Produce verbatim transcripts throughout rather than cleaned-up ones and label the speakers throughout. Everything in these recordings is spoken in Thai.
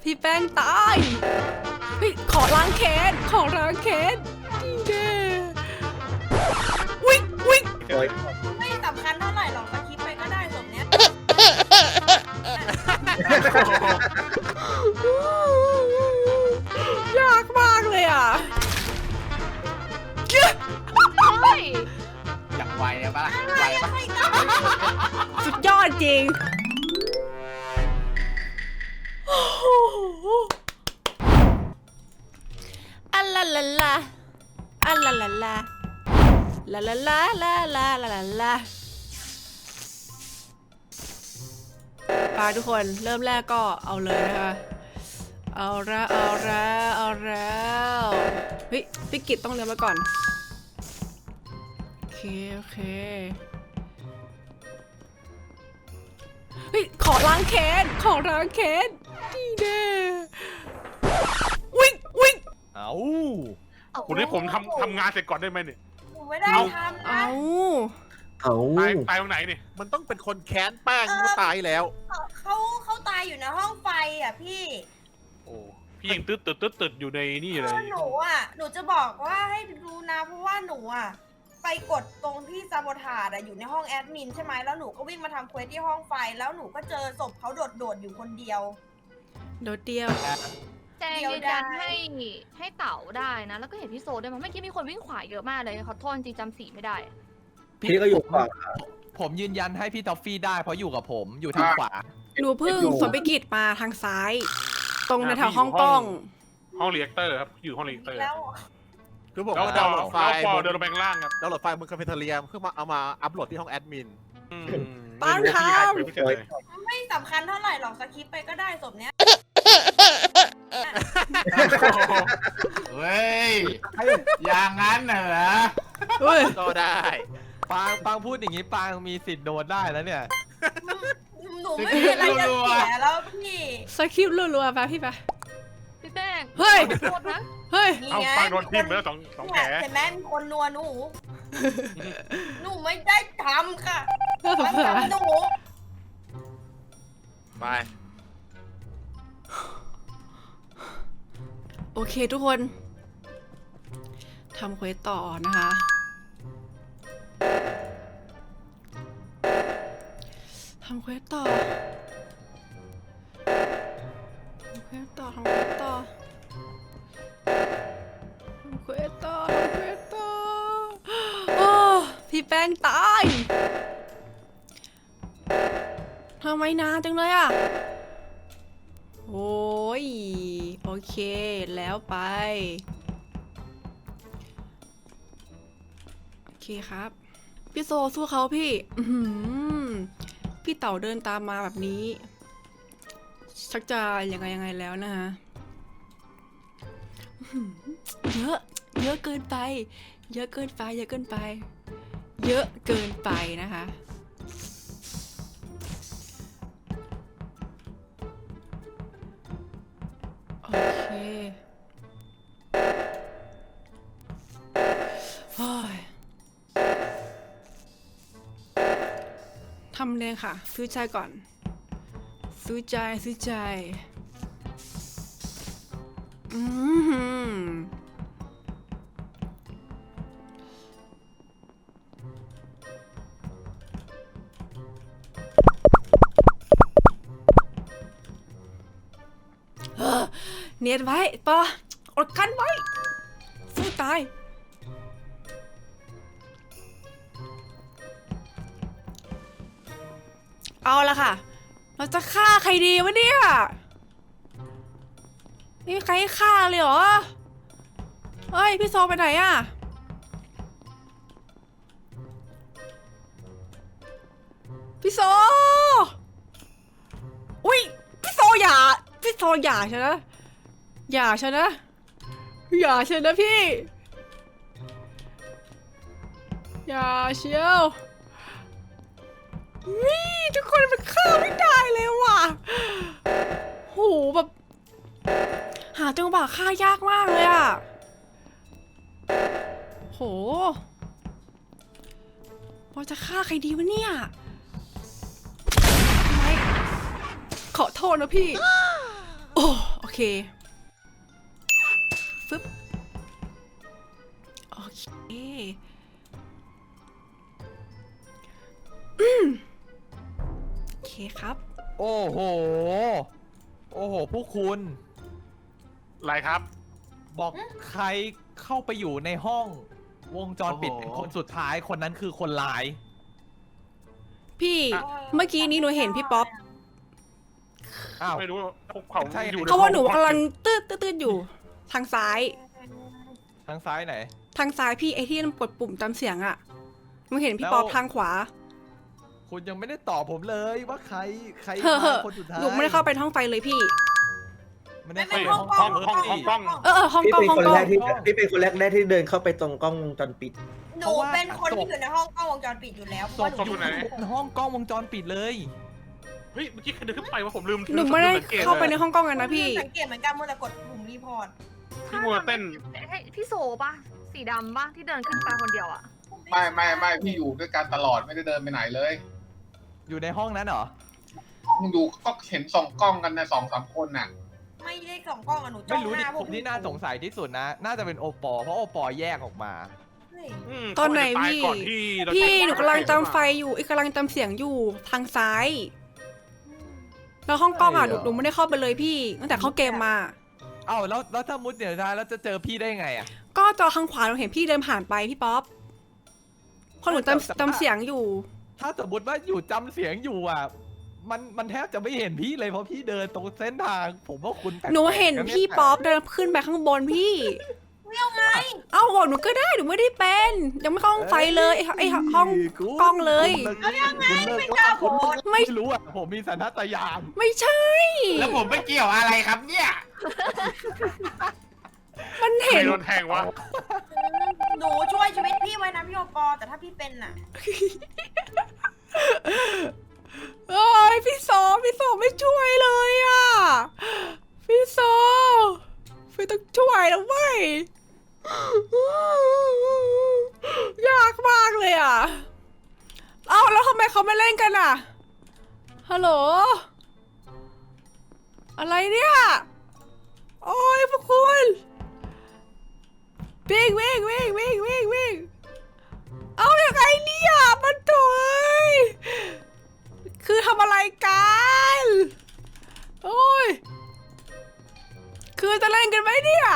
Speaker 1: พี่แป้งตายเฮ้ยขอล้างแค้นขอล้างแค้นดีเด้วิ่งวิ่ง
Speaker 2: ไม่สำคัญเท่าไหร่หรอกสคริปต์ไปก็ได้สมเนี้ย
Speaker 1: ยากมากเลยอ่ะ
Speaker 3: อยากไวเลยปะไวปะ
Speaker 1: สุดยอดจริงอัลลาลาลาอัลลาลาลาลาลาลาลาลาลาลาลาไปทุกคนเริ่มแรกก็เอาเลยนะคะเอาละเอาละเอาแล้วเฮ้ยพี่กิตต้องเรียนมาก่อนโอเคโอเคเฮ้ยขอล้างแค้นขอล้างแค้นดีเด้วิ่งวิ่ง
Speaker 4: เอา
Speaker 5: คุณให้ผมทำทำงานเสร็จก่อนได้ไหมเนี่ย
Speaker 2: หนูไม่ได้ทำนะ
Speaker 1: เอา
Speaker 6: เอา
Speaker 5: ตายตายตรงไหนนี่
Speaker 4: มันต้องเป็นคนแค้นแป้งก็ตายแล้ว
Speaker 2: เขาเขาตายอยู่ในห้องไฟอ่ะพี่
Speaker 5: โอ้พี่ยังตึ๊ดตึ๊ดตึ๊ดตึ๊ดอยู่ในนี่
Speaker 2: คื
Speaker 5: เล
Speaker 2: อย หนูอ่ะหนูจะบอกว่าให้ดูนะเพราะว่าหนูอ่ะไปกดตรงที่ซาโบทาดอ่ะอยู่ในห้องแอดมินใช่ไหมแล้วหนูก็วิ่งมาทำเควสที่ห้องไฟแล้วหนูก็เจอศพเขาโดดๆอยู่คนเดียว
Speaker 1: โดดเดียว
Speaker 7: แจงยืนยันให้ให้เต๋าได้นะ แล้วก็เห็นพี่โซด้วยมันเมื่อกี้มีคนวิ่งขวาเยอะมากเลยขอโทษจริงจำสีไม่ได้
Speaker 6: พี่ก็อยู่ขวา
Speaker 3: ผมยืนยันให้พี่ทอฟฟี่ได้เพราะอยู่กับผมอยู่ทางขวา
Speaker 1: หนูเพิ่งสวนไปกิจมาทางซ้าย ตรงในแถวห้องกล้อง
Speaker 5: ห้องเรียกเตอร์ครับอยู่ห้องเรียกเตอร์
Speaker 2: แล้ว
Speaker 4: คือผม
Speaker 5: แล้ว
Speaker 4: ว่า
Speaker 5: พ
Speaker 4: ดา
Speaker 5: อ
Speaker 4: วน์โหลดไฟ
Speaker 5: แล้ว
Speaker 4: ล์
Speaker 5: พ
Speaker 4: บ
Speaker 5: อน เดินลงไปข้างล่างครับ
Speaker 4: ดาวน์โหลดไฟล์บนคาเฟ่เทเรียมเพื่อมาเอามาอัพโหลดที่ห้องแอดมิน
Speaker 5: อืม
Speaker 1: บ้าน
Speaker 5: ไม่รู้
Speaker 1: ครับ
Speaker 5: พี่ใครคุยไม่เสร็จเลย
Speaker 2: ไม่สำคัญเท่าไหร่หรอกสคริปต์ไปก็ได้สมเนี้ย
Speaker 3: เฮ้ย อย่างนั้นเหรอ
Speaker 1: เฮ้ย
Speaker 4: ก็ได้
Speaker 3: ปางปางพูดอย่างนี้ปางมีสิทธิ์โดนได้แล้วเนี่ย
Speaker 2: หนูไม่มีอะไรจะเสียแล้วพี่
Speaker 1: สคริปต์รัวๆไปพี่ไป
Speaker 7: พี่แป้ง
Speaker 1: เฮ้ย
Speaker 7: ขอโทษนะ
Speaker 1: เฮ้ย
Speaker 2: นี่
Speaker 5: เอา
Speaker 2: ไง
Speaker 5: ฟังโดนทิ่มไปแล้วสองสองแผล
Speaker 2: เห็นไหมมีคนนัวหนู หนูไม่ได้ทำค่ะ
Speaker 1: น่าสงสาร
Speaker 2: ทำหนู
Speaker 4: ไป
Speaker 1: โอเคทุกคนทำเควสต่อนะคะทำเควสต่อทำเควสต่อทำเควสต่อทำเควสต่อทำเควสต่อโอ้พี่แป้งตายทำไมนานจังเลยอ่ะโอ้ยโอเคแล้วไปโอเคครับพี่โซสู้เขาพี่อื้อหือพี่เต๋าเดินตามมาแบบนี้ชักจะยังไงยังไงแล้วนะฮะอื้อหือเยอะเยอะเกินไปเยอะเกินไปเยอะเกินไปเยอะเกินไปนะคะโอเคโอ้ยทำเลยค่ะซื้อใจก่อนซื้อใจซื้อใจอือหือเฮ้อเนียนไว้ปออดกันไว้สู้ตายเอาละค่ะเราจะฆ่าใครดีวะเนี่ยไม่มีใครให้ฆ่าเลยเหรอเฮ้ยพี่โซไปไหนอะพี่โซอุ้ยพี่โซอย่าพี่โซอย่าใช่ไหมอย่าใช่นะอย่าใช่นะพี่อย่าเชียววิทุกคนมันฆ่าไม่ได้เลยว่ะโหแบบหาจังหวะฆ่ายากมากเลยอ่ะโหว่าจะฆ่าใครดีวะเนี่ยไม่ขอโทษนะพี่โอ้โอเคฟึบโอเคอืมโอเคครับ
Speaker 8: โอ้โห โอ้โห ผู้คุณ
Speaker 5: อะไรครับ
Speaker 8: บอกใครเข้าไปอยู่ในห้องวงจรปิด
Speaker 3: โอ้โห
Speaker 8: เป็นคนสุดท้ายคนนั้นคือคนร้าย
Speaker 1: พี่
Speaker 5: อ่ะ
Speaker 1: เมื่อกี้นี้หนูเห็นพี่ป๊อป
Speaker 8: อ้าว
Speaker 5: ไม่รู้พวกเขา
Speaker 8: ใช่
Speaker 5: อยู่ใน
Speaker 1: เพราะว่าหนู
Speaker 5: ห้อง
Speaker 1: กำลังตืดตืดๆอยู่ ทางซ้าย
Speaker 8: ทางซ้ายไหน
Speaker 1: ทางซ้ายพี่ไอที่มันกดปุ่มตามเสียงอะหนูเห็นพี่ป๊อป
Speaker 8: แล้ว
Speaker 1: ทางขวา
Speaker 8: คุณยังไม่ได้ตอบผมเลยว่าใครใคร
Speaker 1: เฮ้อ
Speaker 8: มาคนสุดท้าย
Speaker 1: หนูไม่ได้เข้าไปห้องไฟเลยพี่
Speaker 8: ไม่ได้
Speaker 2: ไม่
Speaker 8: เข้า
Speaker 2: ไม่
Speaker 8: ไป
Speaker 2: ห้
Speaker 8: ห้
Speaker 2: อ
Speaker 8: อง ง
Speaker 2: กล้อง
Speaker 8: ห้อง
Speaker 2: ห้องกล้อง
Speaker 5: ห้องกล้อง
Speaker 1: เออเออห้อง
Speaker 6: พี่
Speaker 1: กล้อง
Speaker 6: เป็น
Speaker 1: ห้อง
Speaker 6: คน
Speaker 1: กล้อ
Speaker 6: แรก
Speaker 1: ง
Speaker 6: ที่พี่เป็นคนแรกๆที่เดินเข้าไปตรงกล้องวงจรปิด
Speaker 2: หนูเป็นคนที่อยู่ในห้องกล้องวงจรปิดอยู่แล้วเพราะ
Speaker 8: ศ
Speaker 2: ว่า
Speaker 8: พ
Speaker 2: หนู
Speaker 8: อยู่ในห้องกล้องวงจรปิดเลย
Speaker 5: เฮ้ยเมื่อกี้ใครเดินขึ้นไปว่าผมลืม
Speaker 1: หนูไม่ได้
Speaker 5: ลืสังกต
Speaker 1: เข้าไปใน
Speaker 5: ลย
Speaker 1: ห้องกล้องกันนะพี่
Speaker 2: สังเกตเหมือนกันมัวแต่กดปุ่มรีพอร์ต
Speaker 5: พี่มัวเต้น
Speaker 7: ให้พี่โซปะสีดำปะที่เดินขึ้นไปคนเดียวอะ
Speaker 3: ไม่ไม่ไม่พี่อยู่ด้วยกันตลอดไม่ได้เดินไปไหนเลย
Speaker 8: อยู่ในห้องนั้นเหรอ
Speaker 3: ห้องดูก็เห็นส่องกล้องกันนะสองสามคนน่ะ
Speaker 2: ไม่ได้ส่องกล้องอะหนูจ้
Speaker 8: ไม่
Speaker 2: อง
Speaker 8: รู้
Speaker 2: ห
Speaker 8: ดิ
Speaker 2: น้าพ
Speaker 8: ผ
Speaker 2: วก
Speaker 8: มที่น่าสงสัยที่สุดนะ น่าจะเป็นโอปอเพราะโอปอแยกออกมา
Speaker 2: เฮ้ย
Speaker 5: อืม
Speaker 1: ตอนไหน
Speaker 5: เขาาจจะตาย
Speaker 1: พี่
Speaker 5: ก่อนที่เรา
Speaker 1: พี่
Speaker 5: จะ
Speaker 1: หนูกำลังจำไฟอยู่อีกกำลังจำเสียงอยู่ทางซ้าย แล้วห้องกล้องอ่ะหนู
Speaker 8: ใช่เหรอ
Speaker 1: หนูไม่ได้เข้าไปเลยพี่ตั้งแต่เข้าเกมมา
Speaker 8: เอ้าแล้วแล้วถ้ามุดเดี๋ยวท้ายแล้วจะเจอพี่ได้ไงอ่ะ
Speaker 1: ก็จอข้างขวาหนูเห็นพี่เดินผ่านไปพี่ป๊อปเพราะหนู
Speaker 8: แต่แต่
Speaker 1: จำจำเสียงอยู่
Speaker 8: ถ้าสมมติว่าอยู่จำเสียงอยู่อ่ะ มันมันแทบจะไม่เห็นพี่เลยเพราะพี่เดินตรงเส้นทาง ผมว่าคุณแปลกๆ
Speaker 1: หนูเห็น
Speaker 8: นะย
Speaker 1: พี่ป๊อปเดินขึ้นไปข้างบนพี่ เอ้าบอกหนูก็ได้หนูไม่ได้เป็น ยังไม่เข้าห้องไฟเลยไอ้ไอ้ห้อง
Speaker 8: คุณ
Speaker 1: กล้องเลย
Speaker 8: คุณเลิกว่าคุณไม่รู้อ่ะผมมีสัญชาตญาณ
Speaker 1: ไม่ใช่
Speaker 3: แล้วผมไปเกี่ยวอะไรครับเนี่ย
Speaker 1: มัน
Speaker 5: ใคร
Speaker 1: เห็น
Speaker 5: โดนแทงวะ
Speaker 2: หนูช่วยชีวิตพี่ไว้นะพี่โอปอแต่ถ้าพี่เป็นน่ะ
Speaker 1: โอ้ยพี่โซพี่โซไม่ช่วยเลยอ่ะพี่โซพี่ต้องช่วยแล้วเว้ยยากมากเลยอ่ะเอ้าแล้วทำไมเขาไม่เล่นกันอ่ะฮัลโหลอะไรเนี่ยโอ้ยพวกคุณวิ่งวิ่งวิ่งวิ่งวิ่งวิ่งเอาอย่างไงเนี่ยมันโถยคือทำอะไรกันโอ้ยคือจะเล่นกันไหมเนี่ย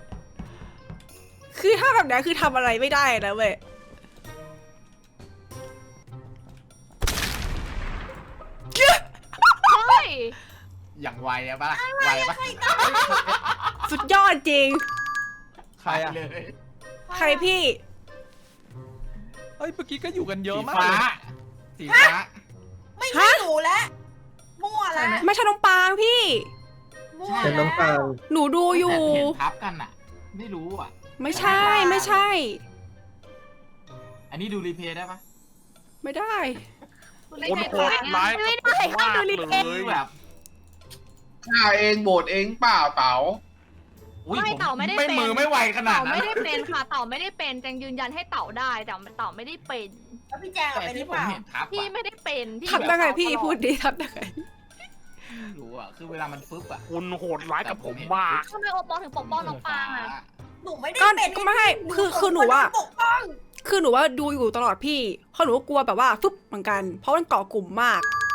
Speaker 1: คือถ้าแบบนี้คือทำอะไรไม่ได้นะเว้ย
Speaker 7: เฮ้ย
Speaker 3: อย่างไวอะปะล่ะไวปะ
Speaker 1: สุดยอดจริง
Speaker 8: ใครอ่ะ
Speaker 3: เลย
Speaker 1: ใครพี่
Speaker 8: เฮ้ยเมื่อกี้ก็อยู่กันเยอะ
Speaker 3: สี
Speaker 8: มาก
Speaker 3: ฟ้า
Speaker 8: เลย
Speaker 3: สีฟ้า
Speaker 2: ไม่ใช่หนูแล้วมั่วแล้ว
Speaker 1: ไม่ใช่น้องปางพี่
Speaker 2: มั่ว
Speaker 6: เป็นน้อง
Speaker 2: แล้ว
Speaker 6: ปาง
Speaker 1: หนูดูอยู่
Speaker 3: เห็นทับกันอะไม่รู้อะ
Speaker 1: ไม่ใช่ไม่ใช่
Speaker 3: อันนี้ดูรีเพลย์ได้ปะ
Speaker 1: ไม่ได้
Speaker 5: คนโหดร้ายกับผมมากเลย
Speaker 3: คือแบบฆ่าเองโบดเองเปล่าเต๋าอุ๊ย
Speaker 7: ไม่
Speaker 3: ผ
Speaker 7: เต่าไม่ได้
Speaker 3: ไม่
Speaker 7: เป็น
Speaker 3: มือไม่ไวขนาด
Speaker 7: เต่า
Speaker 3: นั้น
Speaker 7: ไม่ได้เป็นค่ะเต่าไม่ได้เป็นแจงยืนยันให้เต่าได้แต่เต่าไม่ได้เป็น
Speaker 2: แล้วพี่แจงอะ
Speaker 3: แต่
Speaker 2: เป็นหรื
Speaker 3: ที่
Speaker 2: อ
Speaker 3: ผ
Speaker 2: เป
Speaker 3: ม
Speaker 2: ล่า
Speaker 3: เห็นทับ
Speaker 7: พี่
Speaker 3: อะ
Speaker 7: ไม่ได้เป็นพี่
Speaker 1: ทับได้ไงพี่
Speaker 7: แบบ
Speaker 1: พูดดีทับได้ไง
Speaker 3: ไม่รู้อะคือเวลามันฟึบอะ
Speaker 5: คุณโหดร้ายกับผมมาก
Speaker 7: ทำไมโอปอถึงปกป้องน้องปางอะ
Speaker 2: หนูไม่ได้
Speaker 1: ก็
Speaker 2: เป็น
Speaker 1: ก็ไม่ให้คือคือหนูว่า
Speaker 2: ปกป้อง
Speaker 1: คือหนูว่าดูอยู่ตลอดพี่เพราะหนูก็กลัวแบบว่าฟึบเหมือนกัน เพราะมันเกาะกลุ่มมาก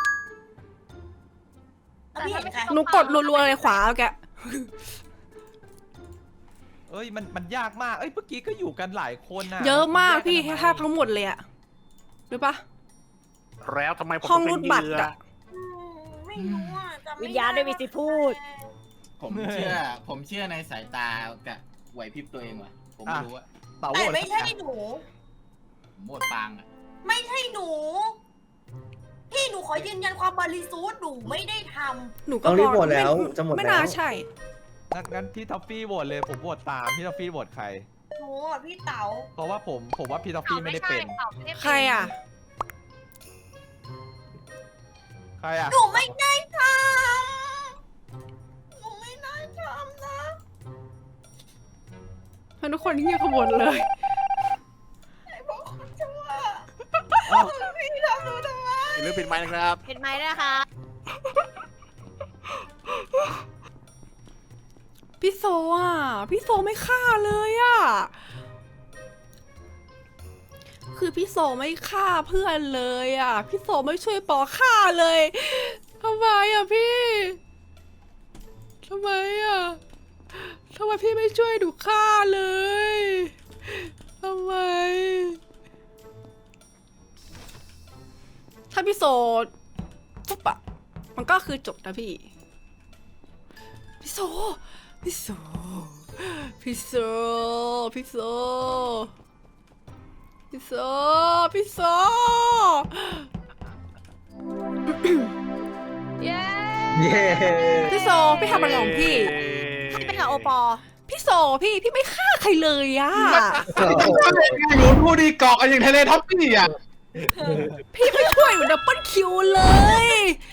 Speaker 2: แล้วพี่เห็นใคร
Speaker 1: หนูกดรัวๆเลยขวาแก
Speaker 8: เอ้ยมันมันยากมากเอ้ยเมื่อกี้ก็อยู่กันหลายคนนะ
Speaker 1: เยอะมากพี่
Speaker 8: แยกัน
Speaker 1: แทบทั้งหมดเลยอะรู้ปะ
Speaker 5: แล้วทำไมผม
Speaker 1: ห้อง
Speaker 5: ต้
Speaker 1: รูด
Speaker 5: เป็น
Speaker 1: บัตร
Speaker 5: เหยื่อ
Speaker 1: อะ
Speaker 2: อืมไม่รู้อ่ะจำไม่
Speaker 9: วิญญาณไม่มีสิทธิ์พูด
Speaker 3: ผมเชื่อ ผมเชื่อในสายตากับไหวพริบตัวเองว่ะ ผมไม่รู้อะ
Speaker 8: เต่าโห
Speaker 2: แต่
Speaker 8: วต
Speaker 2: ไม่ใช่หนู
Speaker 3: ผมโหมดปางอะ
Speaker 2: ไม่ใช่หนู พี่หนูขอยืนยันความบริสุทธิ์หนูไม่ได้ท
Speaker 1: หนูก็
Speaker 6: ต้องรีบ
Speaker 1: ม
Speaker 6: โหวตแล้ว
Speaker 1: ไม่
Speaker 6: จะหมด
Speaker 1: ไม่
Speaker 6: แล้
Speaker 1: น่าว ใช่
Speaker 8: งั้นงั้นพี่ท็อฟฟี่โหวตเลยผมโหวตตามพี่ท็อฟฟี่โหวตใคร
Speaker 2: ำหนูอ่ะพี่เต๋า
Speaker 8: เพราะว่าผมผมว่าพี่ท็อฟ
Speaker 7: เต่า
Speaker 8: ฟี่ไม่
Speaker 7: ไม่
Speaker 8: ได้
Speaker 7: ใช่
Speaker 8: เป็น
Speaker 7: เต่าไม่ได้เป็น
Speaker 1: ใครอะ
Speaker 8: ใครอ่ะ
Speaker 2: หนูไม่ได้ทำหนูไม่ได้ทำนะ
Speaker 1: แล้วทุกคนที่เงียบขบวนเลย
Speaker 2: ไอ้พวกคนชั่ว
Speaker 8: เอ้า
Speaker 2: พี่ทำหนูทำไม
Speaker 4: อย่าลืมปิดไมค์นะครับ
Speaker 9: เห็นไหมนะคะ
Speaker 1: พี่โซอ่ะ พี่โซไม่ฆ่าเลยอ่ะ คือพี่โซไม่ฆ่าเพื่อนเลยอ่ะ พี่โซไม่ช่วยปอฆ่าเลยทำไมอ่ะพี่ทำไมอ่ะทำไมพี่ไม่ช่วยดูฆ่าเลยทำไม ถ้าพี่โซปุ๊บอะมันก็คือจบนะพี่ พี่โซ พี่โซ พี่โซ พี่โซ พี่โซ พี่โซ
Speaker 7: เย้
Speaker 6: เย้
Speaker 1: พี่โซ พี่ทำอะไรของพี่
Speaker 5: พี่
Speaker 2: เป็นกับโอปอ
Speaker 1: พี่โซ พี่ พี่ไม่ฆ่าใครเลยอะ
Speaker 5: อยู่ดูดีเกาะกันอย่างทะเลท็อปปี้อ่ะ
Speaker 1: พี่ไม่ช่วยเหมือนดับเบิลคิวเลย